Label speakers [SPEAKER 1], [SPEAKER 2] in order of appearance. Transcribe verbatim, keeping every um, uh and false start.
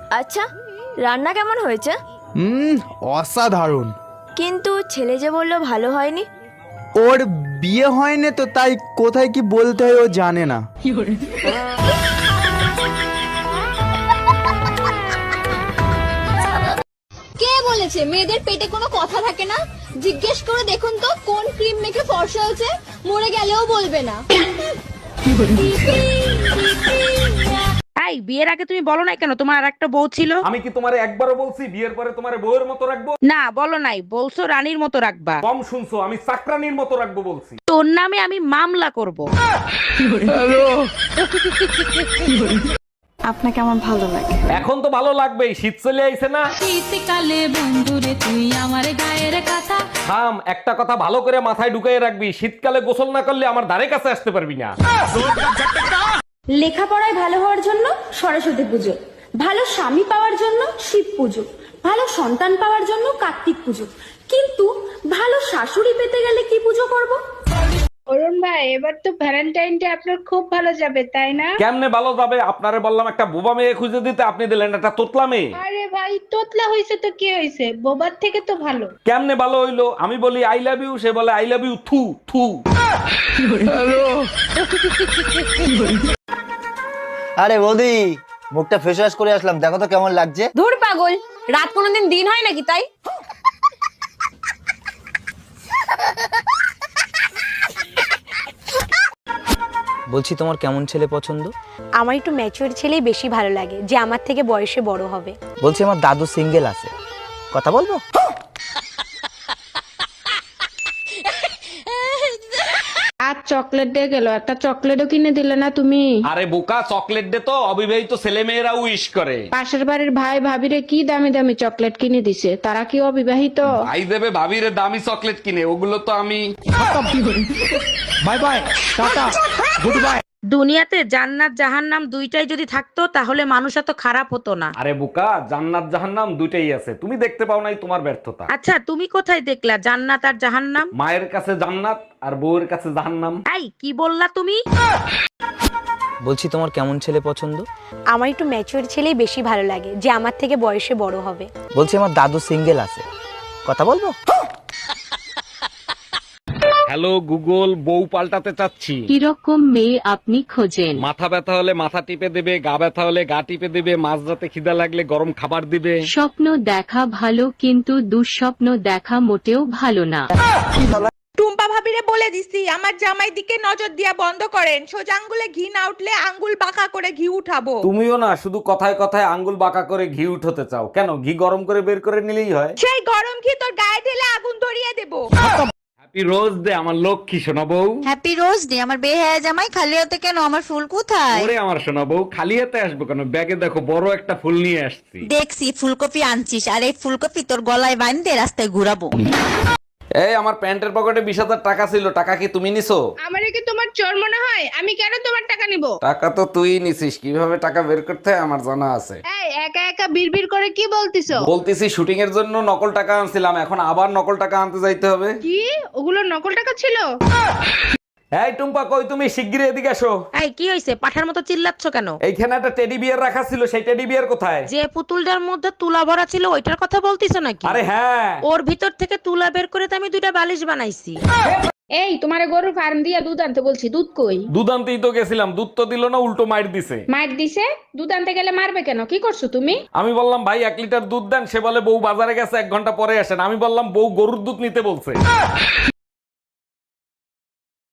[SPEAKER 1] আচ্ছা, রান্না কেমন হয়েছে?
[SPEAKER 2] হুম, অসাধারণ।
[SPEAKER 1] কিন্তু ছেলে যে বললো ভালো হয়নি।
[SPEAKER 2] ওর বিয়ে হয়নি তো, তাই কোথায় কি বলতে হয় ও জানে না।
[SPEAKER 3] কে বলেছে মেয়েদের পেটে কোনো কথা থাকে না? জিজ্ঞেস করে দেখুন তো কোন ক্রিম মেখে ফর্সা হয়েছে, মরে গেলেও বলবে না।
[SPEAKER 4] এই বিয়ের আগে তুমি বলো নাই কেন তোমার আর একটা বউ ছিল?
[SPEAKER 5] আমি কি তোমারে একবারও বলছি বিয়ের পরে তোমারে বউয়ের মতো রাখবো?
[SPEAKER 4] না বলো নাই, বলছো রানীর মতো রাখবা।
[SPEAKER 5] কম শুনছো, আমি চাকরানির মতো রাখবো বলছি।
[SPEAKER 4] তোর নামে আমি মামলা করব।
[SPEAKER 1] আপনাকে আমার ভালো লাগে।
[SPEAKER 5] এখন তো ভালো লাগবেই, শীত চলে আইছে না।
[SPEAKER 6] শীতকালে বন্ধুরে তুই আমার গায়ের কথা।
[SPEAKER 5] থাম, একটা কথা ভালো করে মাথায় ঢুকিয়ে রাখবি, শীতকালে গোসল না করলে আমার ধারে কাছে আসতে পারবি না।
[SPEAKER 3] লেখাপড়ায় ভালো হওয়ার জন্য সরস্বতী পুজো, ভালো স্বামী পাওয়ার জন্য শিব পুজো, ভালো সন্তান পাওয়ার জন্য কার্তিক পুজো, কিন্তু ভালো শাশুড়ি পেতে গেলে কি পুজো করব?
[SPEAKER 7] অরুণ ভাই, এবার তো ভ্যালেন্টাইনটা আপনার খুব ভালো যাবে তাই না?
[SPEAKER 5] কেমনে ভালো যাবে? আপনারে বললাম একটা বোবা মেয়ে খুঁজে দিতে, আপনি দিলেন একটা তোতলা মেয়ে।
[SPEAKER 7] আরে ভাই, তোতলা হয়েছে তো কি হয়েছে, বোবার থেকে তো ভালো।
[SPEAKER 5] কেমনে ভালো হইলো? আমি বলি আই লাভ ইউ, সে বলে আই লাভ ইউ থু থু।
[SPEAKER 8] আরে বৌদি, মুখটা ফেস ওয়াশ করে আসলাম, দেখো তো কেমন লাগছে।
[SPEAKER 3] ধুর পাগল, রাত কোনোদিন দিন হয় নাকি তাই?
[SPEAKER 9] বলছি তোমার কেমন ছেলে পছন্দ?
[SPEAKER 10] আমার একটু ম্যাচিওর ছেলেই বেশি ভালো লাগে, যে আমার থেকে বয়সে বড় হবে।
[SPEAKER 9] বলছি আমার দাদু সিঙ্গেল আছে, কথা বলবো?
[SPEAKER 7] আর চকলেট দিয়ে গেল, একটা চকলেটও কিনে দিলে না তুমি।
[SPEAKER 5] আরে বোকা, চকলেট দে তো অবিবাহিত ছেলে মেয়েরা উইশ করে।
[SPEAKER 7] পাশের বাড়ির ভাই ভাবিরে কি দামি দামি চকলেট কিনে দিছে, তারা কি অবিবাহিত?
[SPEAKER 5] ভাই দেবে ভাবিরে দামি চকলেট কিনে, ওগুলো তো আমি।
[SPEAKER 2] Bye bye, tata, good bye.
[SPEAKER 4] দুনিয়াতে জান্নাত জাহান্নাম দুইটাই যদি থাকতো তাহলে মানুষ এত খারাপ হতো না।
[SPEAKER 5] আরে বোকা, জান্নাত জাহান্নাম দুইটাই আছে, তুমি দেখতে পাও নাই, তোমার ব্যর্থতা।
[SPEAKER 4] আচ্ছা তুমি কোথায় দেখলা জান্নাত আর জাহান্নাম?
[SPEAKER 5] মায়ের কাছে জান্নাত আর বউয়ের কাছে জাহান্নাম।
[SPEAKER 4] এই কি বললা তুমি?
[SPEAKER 9] বলছি তোমার কেমন ছেলে পছন্দ?
[SPEAKER 10] আমার একটু ম্যাচিওর ছেলেই বেশি ভালো লাগে, যে আমার থেকে বয়সে বড় হবে।
[SPEAKER 9] বলছি আমার দাদু সিঙ্গেল আছে, কথা বলবো?
[SPEAKER 5] হ্যালো গুগল, বউ পাল্টাতে চাচ্ছি।
[SPEAKER 6] কিরকম মেয়ে আপনি খোঁজেন?
[SPEAKER 5] মাথা ব্যথা হলে মাথা টিপে দেবে, গা ব্যথা হলে গা টিপে দেবে, মাঝরাতে খিদা লাগলে গরম খাবার দিবে।
[SPEAKER 6] স্বপ্ন দেখা ভালো, কিন্তু দুঃস্বপ্ন দেখা মোটেও ভালো না।
[SPEAKER 4] টুম্পা ভাবিরে বলে দিছি আমার জামাই দিকে নজর দিয়া বন্ধ করেন, সোজা আঙ্গুলে ঘি না উঠলে আঙ্গুল বাঁকা করে ঘি উঠাবো।
[SPEAKER 5] তুমিও না শুধু কথায় কথায় আঙ্গুল বাঁকা করে ঘি উঠাতে চাও কেন? ঘি গরম করে বের করে নিলেই হয়।
[SPEAKER 4] সেই গরম ঘি তোর গায়ে ঢেলে আগুন ধরিয়ে দেবো।
[SPEAKER 5] হ্যাপি রোজ ডে আমার লক্ষ্মী সোনা বউ।
[SPEAKER 3] হ্যাপি রোজ ডে আমার বেহায়া জামাই, খালি হাতে কেন? আমার ফুল কোথায়?
[SPEAKER 5] ওরে আমার সোনা বউ, খালি হাতে আসবো কেন? ব্যাগে দেখো বড় একটা ফুল নিয়ে আসছি।
[SPEAKER 3] দেখছি ফুলকপি আনছিস, আর এই ফুলকপি তোর গলায় বাঁধতে রাস্তায় ঘুরাবো।
[SPEAKER 5] এই আমার প্যান্টের পকেটে বিশ হাজার টাকা ছিল, টাকা কি তুমি নিছো?
[SPEAKER 7] আমারে কি তোমার চোর মনে হয়? আমি কেন তোমার টাকা নিব?
[SPEAKER 5] টাকা তো তুই নিছিস, কিভাবে টাকা বের করতে হয় আমার জানা আছে।
[SPEAKER 7] এই একা একা বিড়বিড় করে কি বলতিছো?
[SPEAKER 5] বলতেছি শুটিং এর জন্য নকল টাকা আনছিলাম, এখন আবার নকল টাকা আনতে যাইতে হবে।
[SPEAKER 7] কি ওগুলো নকল টাকা ছিল?
[SPEAKER 5] এই টুম্পা, কই তুমি? শিগগিরই এদিকে আসো।
[SPEAKER 4] এই কি হইছে, পাঠার মতো চিল্লাচ্ছ কেন?
[SPEAKER 5] এইখানে একটা টেডি বিয়ার রাখা ছিল, সেই টেডি বিয়ার কোথায়?
[SPEAKER 4] যে পুতুলটার মধ্যে তুলা ভরা ছিল ওইটার কথা বলতিছো নাকি?
[SPEAKER 5] আরে হ্যাঁ।
[SPEAKER 4] ওর ভিতর থেকে তুলা বের করে তো আমি দুইটা বালিশ বানাইছি।
[SPEAKER 7] এই তোমারে গরুর ফার্ম দিয়া দুধ আনতে বলছি, দুধ কই?
[SPEAKER 5] দুধ আনতেই তো গেছিলাম, দুধ তো দিল না, উল্টো মাইর দিছে।
[SPEAKER 7] মার দিছে? দুধ আনতে গেলে মারবে কেন? কি করছো তুমি?
[SPEAKER 5] আমি বললাম ভাই এক লিটার দুধ দেন, সে বলে বউ বাজারে গেছে, এক ঘন্টা পরে আসেন। আমি বললাম বউ গরুর দুধ নিতে বলছে।